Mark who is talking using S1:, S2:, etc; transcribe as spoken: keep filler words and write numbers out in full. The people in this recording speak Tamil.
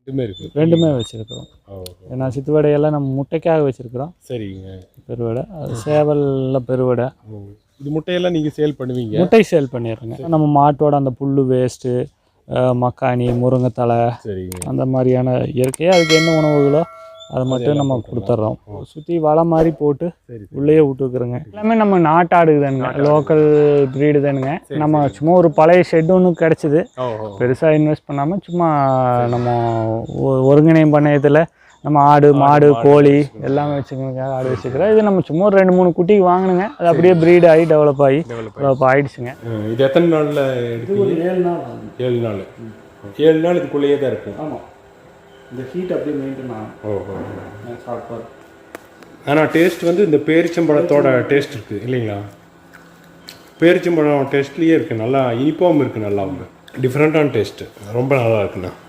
S1: ரெண்டுமே இருக்கு.
S2: ரெண்டுமே வச்சுருக்கிறோம். ஏன்னா சித்துவடையெல்லாம் நம்ம முட்டைக்காக வச்சுருக்கிறோம்.
S1: சரிங்க.
S2: பெருவடை அது சேவலில் பெருவடை.
S1: இது முட்டையெல்லாம் நீங்கள் சேல் பண்ணுவீங்க?
S2: முட்டை சேல் பண்ணிடுறோங்க. நம்ம மாட்டோட அந்த புல் வேஸ்ட்டு, மக்காணி, முருங்கைத்தலை,
S1: சரிங்க,
S2: அந்த மாதிரியான இயற்கையாக அதுக்கு என்ன உணவுகளோ அதை மட்டும் நம்ம கொடுத்துட்றோம். சுற்றி வலை மாதிரி போட்டு உள்ளேயே விட்டுருக்குறோங்க. எல்லாமே நம்ம நாட்டாடு தானுங்க, லோக்கல் ப்ரீடு தானுங்க. நம்ம சும்மா ஒரு பழைய ஷெட் ஒன்று கிடச்சிது, பெருசாக இன்வெஸ்ட் பண்ணாமல் சும்மா நம்ம ஒருங்கிணையம் பண்ணையத்தில் நம்ம ஆடு மாடு கோழி எல்லாமே வச்சுக்கணுங்க. ஆடு வச்சுக்கிறோம். இது நம்ம சும்மா ஒரு ரெண்டு மூணு குட்டிக்கு வாங்கினுங்க, அது அப்படியே ப்ரீட் ஆகி டெவலப் ஆகி டெவலப் ஆகிடுச்சுங்க.
S1: இது எத்தனை நாளில் எடுத்து?
S2: ஒரு ஏழு நாள்.
S1: ஏழு நாள் ஏழு நாள் இதுக்குள்ளேயே தான் இருக்கும்.
S2: ஆமாம், இந்த ஹீட் அப்படியே மெயின்டைன் ஆகும்.
S1: ஓஹோ.
S2: சாப்பிட்றது
S1: ஆனால் டேஸ்ட் வந்து இந்த பேரிச்சம்பழத்தோட டேஸ்ட் இருக்குது இல்லைங்களா? பேரிச்சம்பழம் டேஸ்ட்லேயே இருக்குது, நல்லா இனிப்பாகவும் இருக்குது, நல்லா டிஃப்ரெண்ட்டான டேஸ்ட்டு, ரொம்ப நல்லா இருக்குண்ணா.